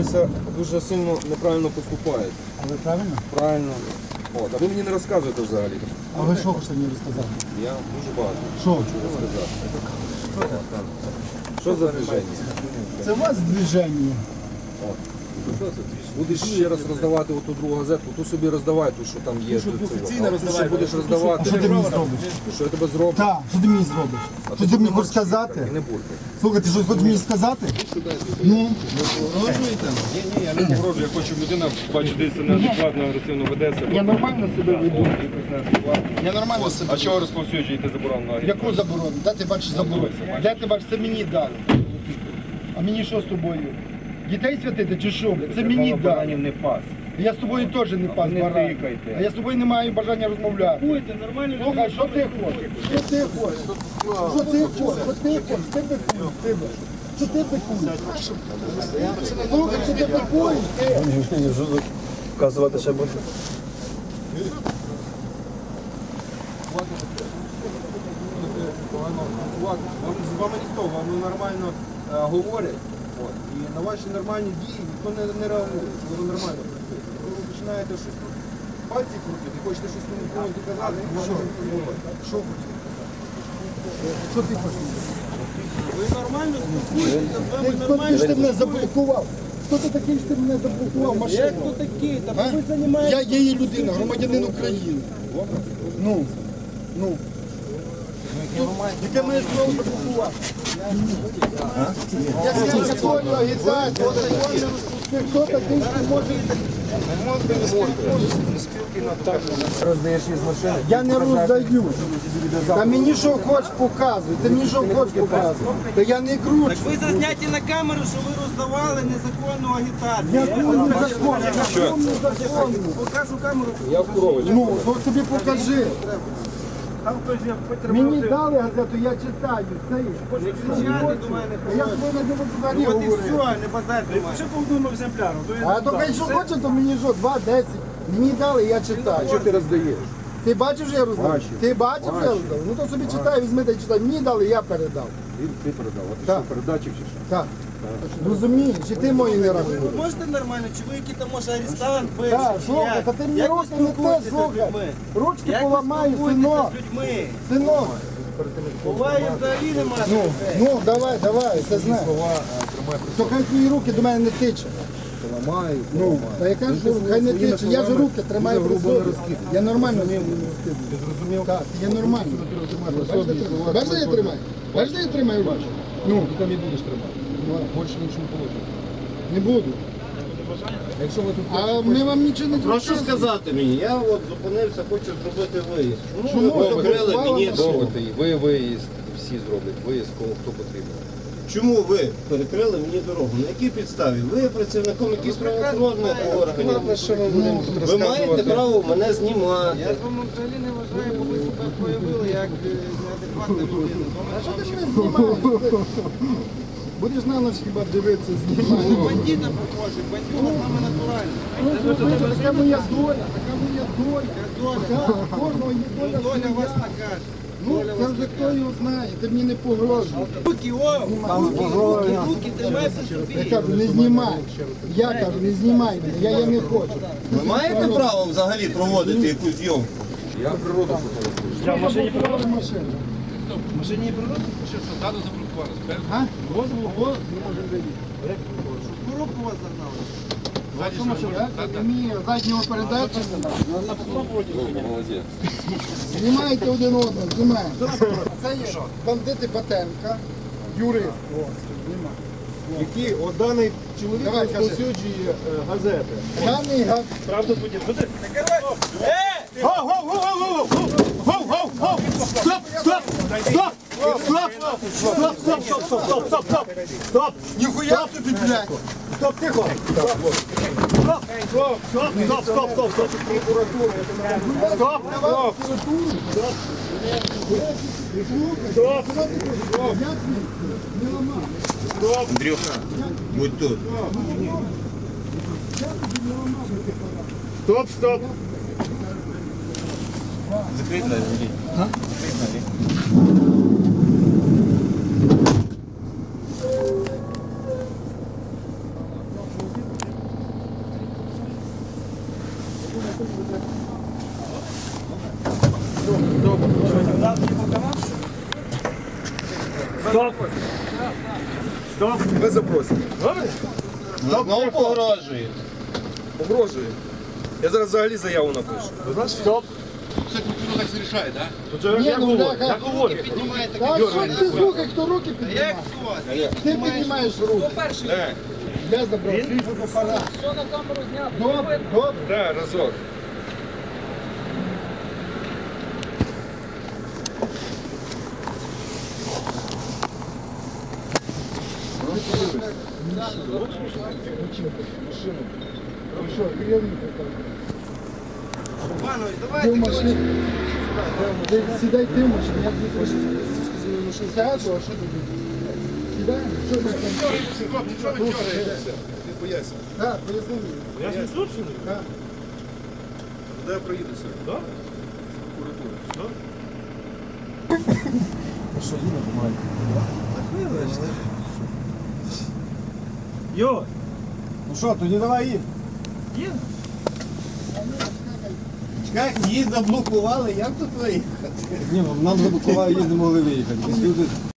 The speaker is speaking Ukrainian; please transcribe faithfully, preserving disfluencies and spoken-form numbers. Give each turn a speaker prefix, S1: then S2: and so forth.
S1: дивлюся, дуже сильно неправильно поступаєте.
S2: Але правильно?
S1: Правильно. От, а ви мені не розказуєте взагалі.
S2: А ви що хочете мені розказати?
S1: Я дуже багато
S2: Що?
S1: хочу розказати. Що за движення?
S2: Це у вас движення.
S1: Будеш ще раз роздавати оту другу газетку, ту собі роздавай, ту, що там є.
S3: щоб
S1: ту цю.
S3: офіційно
S1: А ту,
S3: роздавай,
S1: що будеш
S3: ту,
S1: роздавати.
S2: Що ти мені зробиш?
S1: Що я тебе зроблю?
S2: Так, що ти мені зробиш? Що ти мені хочеш сказати?
S1: І не буркай.
S2: Слухай, ти що хочеш мені сказати? Ну,
S3: Погрожуєте?
S1: Ні, ні, я не погрожую, я хочу, людина, бачу, десь неадекватно, агресивно веде себе.
S2: я нормально себе веду. Я нормально себе
S1: А чого розповсюджуєте заборону на агітацію?
S2: Яку заборону? Де ти бачиш заборону? Де ти бачиш? Це мені дали. А мені що з тобою? Дітей святити чи що? Це мені дали.
S1: не пас.
S2: Я з тобою теж не пас
S1: Не
S2: баран.
S1: тикайте.
S2: А я з тобою не маю бажання розмовляти.
S3: Будьте нормально.
S2: Слухай, що ти хочеш? Що ти хочеш? Що ти хочеш? Що ти хочеш? Ти бикуєш, ти бикуєш. Що ти бикуєш? Слухай, що ти бикуєш? Ти?
S4: Вказувати ще буде.
S1: Вам, з вами ніхто, вам нормально е, говорять. От. І на ваші нормальні дії ніхто не, не реагує, коли ви нормально працюєте. Коли ви починаєте щось тут пальці крутити, хочете щось комусь доказати, ви можете це зробити.
S2: Що хочеш? Що ти хочеш?
S3: Ви нормально спілкуєтеся, з
S2: Ти
S3: вами
S2: хто ти
S3: нормально.
S2: ж ти мене заблокував? Хто ти такий, що ти мене заблокував
S3: Як
S2: машину?
S3: то такі? Та
S2: А?
S3: ви займаєтеся.
S2: Я її людина, громадянин України. Ну, ну. Яке мене знову заблокувати? Я не законну агітацію. Ти хто такий, що може...
S1: Роздаєш із машини.
S2: Я не роздаю. Та мені що хоч показуй, ти мені що хоч показуй. Та я не кручу.
S3: Так ви зазняті на камеру, що ви роздавали незаконну агітацію.
S2: Яку незаконну, яку незаконну.
S3: Покажу камеру.
S1: Я в корові.
S2: Ну, ну собі покажи.
S3: Там хтось я
S2: Мені дали газету, я читаю. Це є.
S3: не кричати до мене.
S2: А я свою не взагалі
S3: От і
S2: говорю.
S3: все, не базар до мене.
S5: Ще повдумав земляру.
S2: А то хай що хоче, то мені що, два, десять. Мені дали, я читаю.
S1: Що ти роздаєш?
S2: Ти бачив, що я роздав?
S1: Бачив.
S2: Ти бачив, що я роздав? Ну то собі читай, візьми та й читай. Мені дали, я передав.
S1: Ти, ти передав. А ти
S2: Так.
S1: що, передатчик чи що?
S2: Так. Розумієш, і ти мої не
S3: Ви
S2: рахуєш.
S3: можете нормально, чи ви який там може арестант бивший,
S2: Так,
S3: чи
S2: слухай,
S3: як?
S2: та ти мені
S3: Як ви
S2: руки не те,
S3: спілкуєтеся з
S2: слухай.
S3: людьми?
S2: Ручки
S3: Як ви
S2: поламаю,
S3: спілкуєтеся
S2: синок.
S3: з людьми?
S2: Синок.
S3: Буває взагалі немає.
S2: Ну, ну, давай, давай, все знаю. То хай твої руки до мене не тиче.
S1: Ламаю.
S2: Ну, та яка ж хай не тиче, я ж руки тримаю при собі. Я нормально не розкидую.
S1: Ти зрозумів?
S2: Так, я нормально. Бачиш, де я тримаю? Бачиш, де я тримаю руки? Ну,
S1: Ти там і будеш тримати. Більше нічого не положено.
S2: не буду.
S1: Якщо ви тут
S2: А ми вам нічого не
S4: Прошу сказати мені, я от зупинився, хочу зробити виїзд.
S2: Чому
S4: Чому ви покрили
S2: заблокували
S4: мені
S2: машину?
S4: дорогу?
S1: і ви виїзд, всі зроблять виїзд, кому хто потрібен.
S4: Чому ви перекрили мені дорогу? На якій підставі? Ви є працівником якихось правоохоронних органів. Ви маєте право мене знімати.
S3: Я з вами взагалі не вважаю, бо ви себе проявили як е, неадекватна людина.
S2: А що ти мене знімаєш? Будеш на ніч хіба дивитися, знімати.
S3: Бандита похожий, бандюга саме натуральний.
S2: Ну, слухайте, така моя доля, така моя доля.
S3: Доля.
S2: Так, кожного є доля
S3: Доля
S2: своя.
S3: вас накаже.
S2: Ну, це вже хто його знає, ти мені не погрожуй.
S3: Руки, о! Руки, руки, руки, тримай при
S2: Я
S3: собі.
S2: кажу, не знімай. Я кажу, не знімай мене, я, я не хочу.
S4: Ви маєте право взагалі проводити якусь зйомку?
S1: Я природу фотографую.
S2: Я в машині проводжу машину.
S5: В машині є природа? Що, що, ззаду заблокували?
S2: А? Дозволу, голос не може виїхати.
S3: Коробку вас загнали.
S5: Ззаді що?
S2: Я не вмію заднього передачі.
S1: Молодець.
S2: Знімайте один одного, знімаємо. Це є бандити Батенка, юрист. О, знімай.
S5: Які от даний чоловік
S2: Давай, кажи.
S5: розповсюджує е, газети.
S2: Даний гад.
S5: Правду будь. Буде?
S2: Стоп, стоп, стоп, стоп, стоп, стоп, стоп, стоп. Ніхуя тобі, блядь. Стоп, тихо. Стоп, стоп, стоп, стоп, стоп, стоп, стоп. Стоп, стоп. Стоп.
S4: Андрюха, будь тут.
S2: Стоп, стоп.
S4: Закрий двері, Андрій. Закрий двері.
S2: Стоп. Стоп.
S1: Ви запросите.
S2: Добре?
S4: Знову погрожує.
S1: Погрожує. Я зараз взагалі заяву напишу.
S2: Стоп.
S5: Все прокурор так вирішає, так?
S2: Тут же як говорю, як говорю.
S3: Піднімаєте
S6: Так, що ти слухай, хто руки
S3: Як
S6: піднімає?
S3: хто?
S6: Ти піднімаєш руки.
S1: Так,
S6: Я забрав. Добре, добре.
S1: так, разок.
S6: Ну що, керівник там.
S3: Іванович,
S6: Ти в
S3: давайте
S6: машині. Ти Сідай ти в машині, я тобі хочу. Сяду, а що тобі? Сідай, що ти там?
S5: Нічого не дергаєтеся.
S1: Не поясню.
S6: Так, поясни мені.
S2: Я ж відсутчений.
S1: Де я проїду сьогодні?
S2: Да?
S1: Прокуратура.
S2: Йо,
S1: Ну що, тоді давай їм.
S2: є?
S4: Як її заблокували, як тут виїхати?
S1: Ні, нам заблокували, її не могли виїхати.